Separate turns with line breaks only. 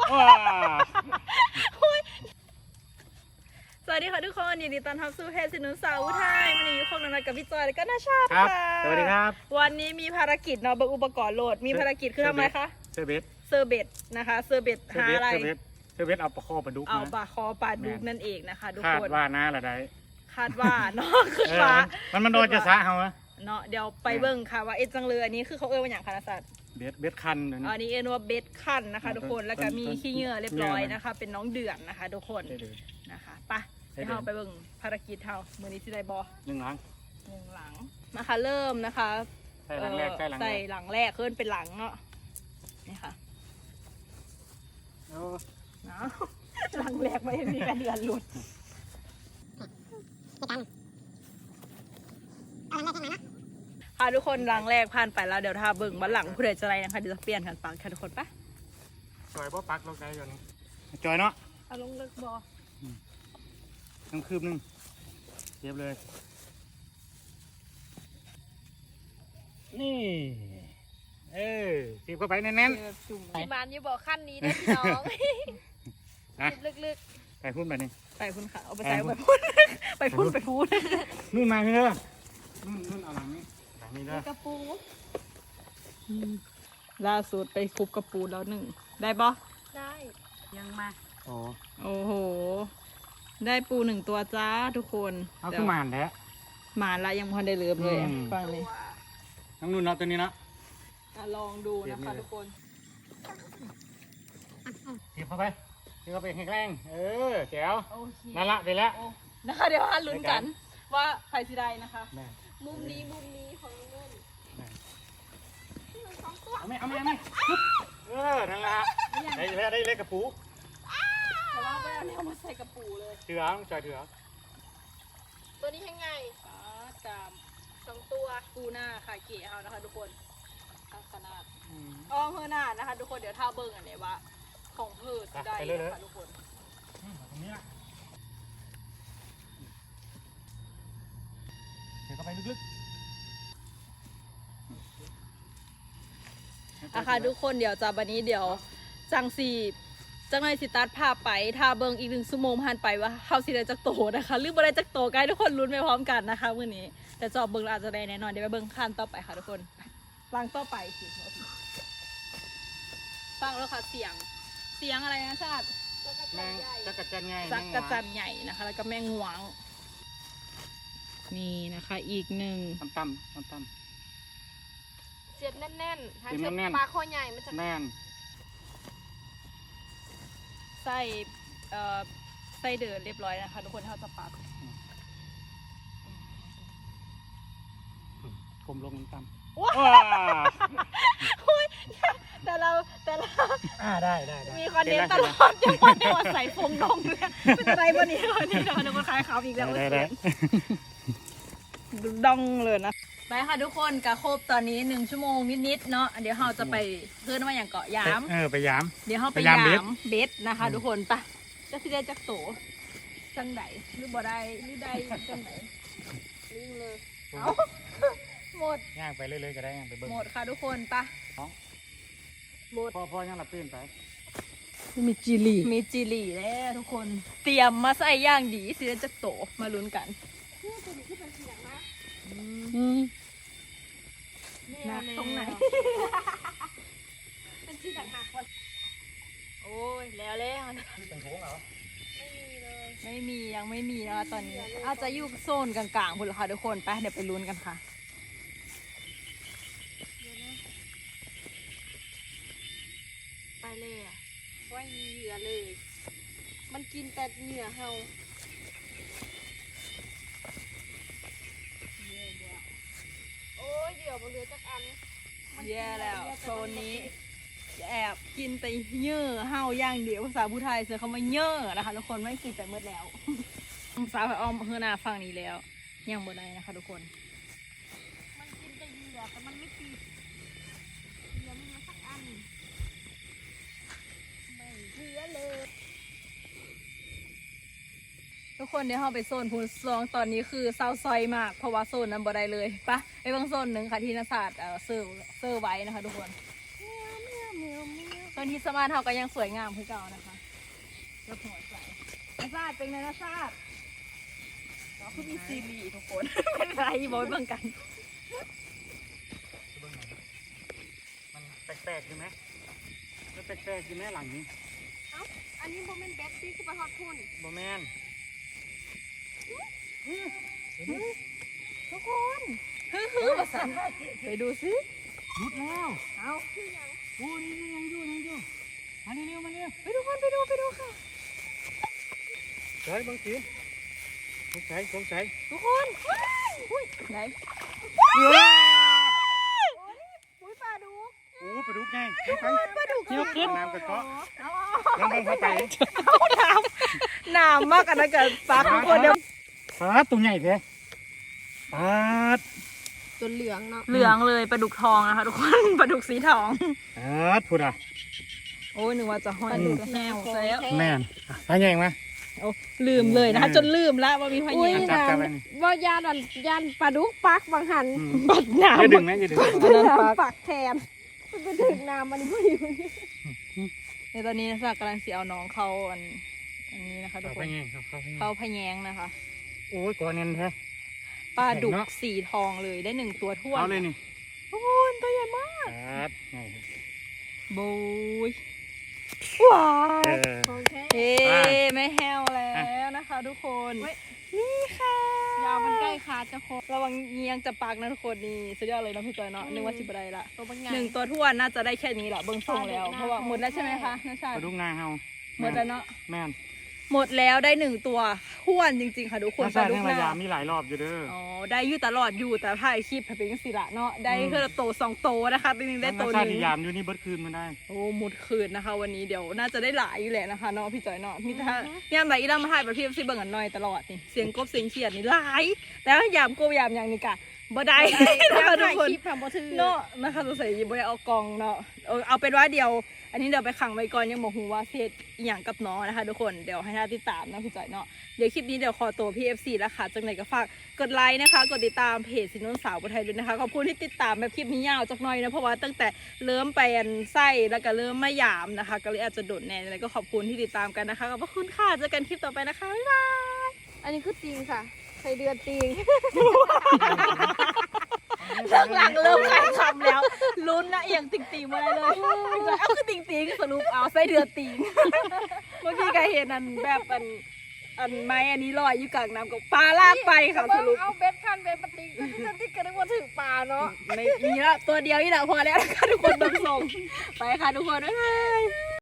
สวัสดีค่ะทุกคนยินดีต้อนรับสู่เพจสินุสาวไทยวันนี้อยู่คงนัดกับพี่จอยและก็นาชาติค่ะ
สวัสดีครับ
วันนี้มีภารกิจเนาะเบิกอุปกรณ์โหลดมีภารกิจคือทำไมคะ
เซอร์เบส
นะคะเซอร์เบสหาอะไร
เซอร์เบสเอาปลาคอปลาดุก
เอาปลาคอปลาดุกนั่นเองนะคะทุกคน
คาดว่านะอะไร
คาดว่าเนาะคือว่า
มันโดนจะซะเขา
เนาะเดี๋ยวไปเบิ่งค่ะว่าเอ็ดจังเลยอันนี้คือเขาว่าอย่างคณะศาสตร์
เบสคัน
อันนี้เอ็นว่าเบสคันนะคะทุกคนแล้วก็มีขี้เหงื่อเรียบร้อยนะคะเป็นน้องเดือดนะคะทุกคนนะคะไปเดี๋ยวเราไปเบิ่งภารกิจเฮามือนี้ที่ได้บอ
หนึ่งหลัง
นะคะเริ่มนะคะ
ใส่หลังแรก
ขึ้นเป็นหลังเนาะนี่ค่ะเนาะหลังแรกไม่มีกระเดือนหลุดค่ะทุกคนหลังแรกผ่านไปแล้วเดี๋ยวถ้าเบิ่งวันหลังผู้ใดจะอะไรนะคะเดี๋ยวจะเปลี่ยนกันปังค่ะทุกคนปะ
จอยบ่ปักลงได้อยู่นี่จอยเนาะ
เอาลงเลิกบอ
น้ำคืบนึงเรียบเลยนี่ตีบเข้าไปแน่น
ๆที่บ้านอยู่บ่อขั้นนี้นะพี่น้องลึก
ๆไปพุ่นไปนี่
ไปพุ่นค่ะเอาไปใส่ไปพุ่น
นู่นมาพี่เด้อนู่นเอาหลังนี้เด้อก
ระปูล่าสุดไปคุบกระปูแล้วหนึ่งได้บ่ได้ยังมา
โ
อ้โหได้ปูหนึ่งตัวจ้าทุกคน
เอาขึ้นมาแท้
มาละยังพอได้เลือบเลยฟังเลย
น้องนุ่นเอาตัวนี้นะ
ลองดูนะคะทุกคน
ทีบเข้าไปแข็งแรงแจ๋วนั่นละไปแล้ว
นะคะเดี๋ยวมาลุ้นกันว่าใครสิได้นะคะมุมนี้ของนุ่น
เอาไหมนั่นละได้เล็กกระปู
แต่ว่าไม่เอาเนี่ยมาใส่กระปูเลย
เถื่อต้องจ่ายเถื่อ
ตัวนี้ยังไงจาม2ตัวปูหน้าค่ะเก๋เอานะคะทุกคนขนาดเพื่อหน้านะคะทุกคนเดี๋ยวท่าเบิ้งอันนี้ว่าของเพื่อได้นะคะทุกคน
ตรงนี้เดี๋ยวเข้าไปลึก
ๆนะคะทุกคนเดี๋ยวจากวันนี้เดี๋ยวจังในสิตัดภาพไปท่าเบิ้งอีก1 ชั่วโมงผ่านไปว่าเขาสิได้จักโตนะคะหรือบ่ได้จักโตใกล้ทุกคนลุ้นไปพร้อมกันนะคะมื้อนี้แต่จอบเบิ้งอาจจะได้แน่นอนเดี๋ยวไปเบิ้งขั้นต่อไปค่ะทุกคนฟังต่อไปสิฟังแล้วค่ะเสียงอะไรนะชาติ
จักรจัน
ใหญ่นะคะแล้วก็แมงหวงนี่นะคะอีกหนึ่ง
ตั้ม
เสียบแน่นๆถ้าเชือกปลาคอใหญ่มันจะ
แน่น
ใส่เดือดเรียบร้อยนะคะทุกคนเขาจะปัก
กลมลงตั้ม
แต่เรา
ได้
มีคอนเทนต์ตลอดยังวันนี้ว่าใส่ฟงดองเลยเป็นอะไรวันนี้เราทุกคนคลายขาวอีกแล้วดองเลยนะไปค่ะทุกคนกะครบตอนนี้1 ชั่วโมงนิดๆเนาะเดี๋ยวเราจะไปเพื่อนว่าอย่างเกาะยาม
ไปยาม
เดี๋ยวเราไปยามเบสนะคะทุกคนปะจะสิได้จักโตจังไหนหรือบ่ได้หรือได้จังไหนลิงเลยเอาหมด
ย่างไปเรื่อยๆก็ได้ไปเบิ่ง
หมดค่ะทุกคนปะหมด
พ่อยังหลับตื่นไป
มีจิลีแล้วทุกคนเตรียมมาใส่ย่างดีสิได้จักโตมาลุ้นกันหนักตรงไหนเป็นที่ต่างหากคนโอ้ยแล้ว
เป็นโค้งเหรอ
ไม่มียังไม่มีนะตอนนี้อาจจะอยู่โซนกลางๆคุณค่ะทุกคนไปเดี๋ยวไปลุ้นกันค่ะไปเลยอ่ะว่าเหยื่อเลยมันกินแต่เหยื่อเฮาโอ้ยเหยื่อมันเหลือจักอันแย่แล้วโซนนี้แอบกินแต่เยื่อเฮาย่างเดียวภาษาผู้ไทยเสือเขามาเยื่อนะคะทุกคนไม่กินแต่เมื่อแล้วสาวอ้อมเฮือนาฟังนี้แล้วยังบ่ได้นะคะทุกคนมันกินแต่เหยื่อแต่มันไม่กินเหยื่อมันมาสักอันไม่เหลือเลยทุกคนเดี๋ยวเราไปโซนพูนซองตอนนี้คือเศร้าซอยมากเพราะว่าโซนนั้นบ่ได้เลยปะไปบางโซนหนึ่งค่ะที่นักศาสตร์เซอร์ไว้นะคะทุกคนไปต้นที่สมาร์ทเฮาก็ยังสวยงามคือเก่านะคะแล้วหัวใจนาซาดเป็นไงนาซาดเราคือมีซีรีส์ทุกคน เป็นไรบอยเบิ่งกัน
มันแปลกๆใช่ไหมมันแปลกๆใช่ไหมหลังนี้
อันนี้โมเมนต์แบ็คซี่คือปลาทอดทุ่น
บอแมน
ทุกคนฮือภาษาไปดูสิ
รุดแล้ว
เอา
โอ้นี่ยังอยู่มาเร็วมาเร็ว
ไปทุกคนไปดูค่ะ
เฮ้ยบางทีสงสัย
ทุกคนอุ้ยไหน
ว้า
อุ้ยปลาดุก
โอ้ปลาดุกไงไป
ปลาดุก
เที่ยวขึ้นน้ำกระเกาะ
เอา
ยังไม่เข้าไป
น้ำมากกันนะกันปักทุกคนเดี๋ยว
ปลาตัวใหญ่แท้ปลา
จนเหลืองเนาะ
เหลืองเลยปลาดุกทองนะคะทุกคน ปลาดุกสีทอง
พูดอ่ะ
โอ้ยนึกว่าจะห้อยปลาดุกแห้วซะแล้ว
แม่นปลาใหญ่ไหม
โอ้ลืมเลยนะคะจนลืมละว่ามีพ
อุ้ย
ญา
จับไปนี่
ว่ายานปลาดุกปักบางหัน
บัดน้
อย่าดึงนะอย่าดึง
ำ
ปักแทนมันไปถึงน้ำมันพอดี
ในตอนนี้นะจ๊ะกำลังสีเอาน้องเขาอันนี้นะคะทุก
เอา
ค
ไป
น
ไงครับเขา
เขาพะแยงนะคะ
โอ้ยกอเน้นแท้
ปลาดุก
เห็นเนอะ
สีทองเลยได้1 ตัวท้วน
เอาเลยนี่
ทุกคนตัวใหญ่มาก
ครับไง
โบยว้า
เอ
ว
อ
โอเค
เอ๊ไม่แห้วแล้วนะคะ ทุกคน
เว้ย
นี่ค่ะ
ยาวมันใกล้ขาดจะครบ
ระวังเงียงจะปากนะทุกคนนี่สุดยอดเลยนะพี่จอยเนาะนึกว่าสิบอะไรละ
ตัวบางใหญ่
1 ตัวท้วนน่าจะได้แค่นี้แหละเบิ้งทรงแล้ว
ปลาดุก
เพราะว่าหมดแล้วใช่ไหมคะน้าชา
ปลาดุกนาเฮา
หมดแล้วเนาะ
แม่น
หมดแล้วได้1 ตัวท้วนจริงๆค่ะทุกคน
น้า
ป
ชา
ลาดุ
ทั้
ก
ง
ห
ระยา
น้า
มีหลายรอบอยู่เด้อ
อ๋อได้อยู่ตลอดอยู่แต่ถ่ายคลิปเป็นจังสิละเนาะได้เพื่อโต2 โตนะคะปีนึงได้โต
น้า
ห
ชา
นึ่
ที่
ง
ยามอยู่นี่เบิดคืนมาได้
โอ้หมดคืนนะคะ วันนี้เดี๋ยวน่าจะได้หลายอยู่แหละนะคะเนาะพี่จอยเนาะมีแต่ยามไหนอีดามาถ่ายประเภทสิเบิ่งกันหน่อยตลอดนี่เสียงกบเสียงเขียดนี่หลายแล้วยามโกบยามอย่างนี้กะบ่ได้นะคะทุก
ถ่าย
คน
คลิปทำบ่ถือ
เนาะนะคะสงสัยบ่ได้เอากล่องเนาะเอาเป็นว่าเดี๋ยว อันนี้เดี๋ยวไปขังไว้ก่อนยังบอกฮูว่าเฮ็ดอีหยังกับน้องนะคะทุกคนเดี๋ยวให้ท่านติดตามนะพี่จอยเนาะเดี๋ยวคลิปนี้เดี๋ยวขอตัวพี่ FC แล้วค่ะจังไหนก็ฝากกดไลค์นะคะกดติดตามเพจสินนสาวประไทยด้วยนะคะขอบคุณที่ติดตามแบบคลิปนี้ยาวจักหน่อยนะเพราะว่าตั้งแต่เริ่มไปอันไส้แล้วก็เริ่มมาหยามนะคะ ก็เลยอาจจะโดดแน่แล้วก็ขอบคุณที่ติดตามกันนะคะขอบพระคุณค่ะเจอกันคลิปต่อไปนะคะบ๊ายบาย
อันนี้คือจริงค่ะใส่เดือนจริง
ข้างหลังเริ่มขายคำแล้วลุ้นนะเอียงติ่งติ่งมาเลยเอาคือติ่งติ่งสรุปเอาไส้เดือนติ่งเมื่อกี้ก็เห็นอันแบบอันไม้อันนี้ลอยอยู่กลางน้ำกับปลาลากไปค่ะสรุป
เอาเบ็ดคันเบ็ดปฏิกจะที่กระดึกว่าถึงปลาเนาะ
ไม่มีละตัวเดียวนี่แหละพอแล้วนะคะทุกคนต้องส่งไปค่ะทุกคนบ๊ายบาย